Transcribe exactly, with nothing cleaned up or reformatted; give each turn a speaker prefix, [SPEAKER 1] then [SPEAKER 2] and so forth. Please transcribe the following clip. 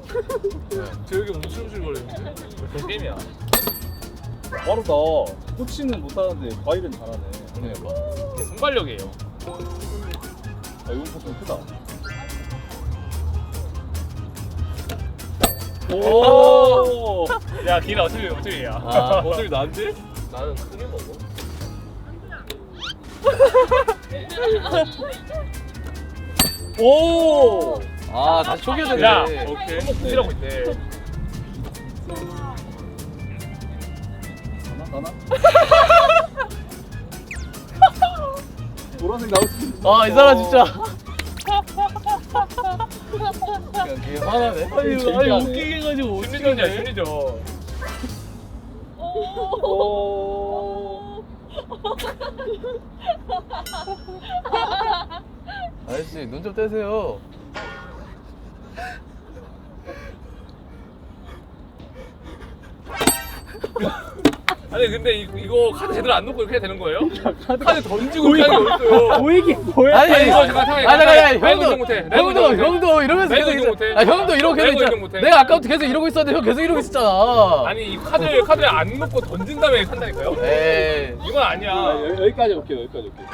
[SPEAKER 1] 저 여기 움찔움찔 거리는데? 저 게임이야.
[SPEAKER 2] 빠르다. 코치는 못하는데 과일은 잘하네.
[SPEAKER 1] 그러니까. 이게 순발력이에요.
[SPEAKER 2] 아, 이건 좀 크다.
[SPEAKER 1] 오! 야, 길아 어차피 어차피야.
[SPEAKER 2] 아, 어차피 나한테?
[SPEAKER 1] 나는 크게 먹어.
[SPEAKER 2] 오!
[SPEAKER 3] 아 다시 초기화 되네.
[SPEAKER 1] 야,
[SPEAKER 2] 오케이.
[SPEAKER 1] 한번 부지라고 있대.
[SPEAKER 2] 가나? 가나? 노란색 나올 수 있는.
[SPEAKER 3] 아 이 사람 진짜. 그냥 되게 화나네.
[SPEAKER 2] 아니, 아니, 웃기게
[SPEAKER 3] 해가지고
[SPEAKER 1] 심리전이야, 심리전.
[SPEAKER 2] 오.
[SPEAKER 3] 아저씨 눈 좀 떼세요.
[SPEAKER 1] 아니 근데 이, 이거 카드 제대로 안 놓고 이렇게 해야 되는 거예요? 카드 던지고 이렇게 하는 게 어딨어요?
[SPEAKER 2] 보이긴 뭐야?
[SPEAKER 3] 아니,
[SPEAKER 1] 아니, 이거 잠깐 상황이
[SPEAKER 3] 아 잠깐
[SPEAKER 1] 나이가
[SPEAKER 3] 형도
[SPEAKER 1] 운동 못해. 나이가
[SPEAKER 3] 형도
[SPEAKER 1] 운동 못해.
[SPEAKER 3] 형도 이러면서
[SPEAKER 1] 나이가
[SPEAKER 3] 계속
[SPEAKER 1] 운동 못해.
[SPEAKER 3] 있어. 아 형도 이러고 계속
[SPEAKER 1] 나이가
[SPEAKER 3] 있잖아.
[SPEAKER 1] 운동 못해.
[SPEAKER 3] 내가 아까부터 계속 이러고 있었는데 형 계속 이러고 있었잖아.
[SPEAKER 1] 아니 이 카드를 카드를 안 놓고 던진 다음에 한다니까요?
[SPEAKER 3] 에이.
[SPEAKER 1] 이건 아니야.
[SPEAKER 2] 아, 여- 여기까지 올게요. 여기까지 올게요.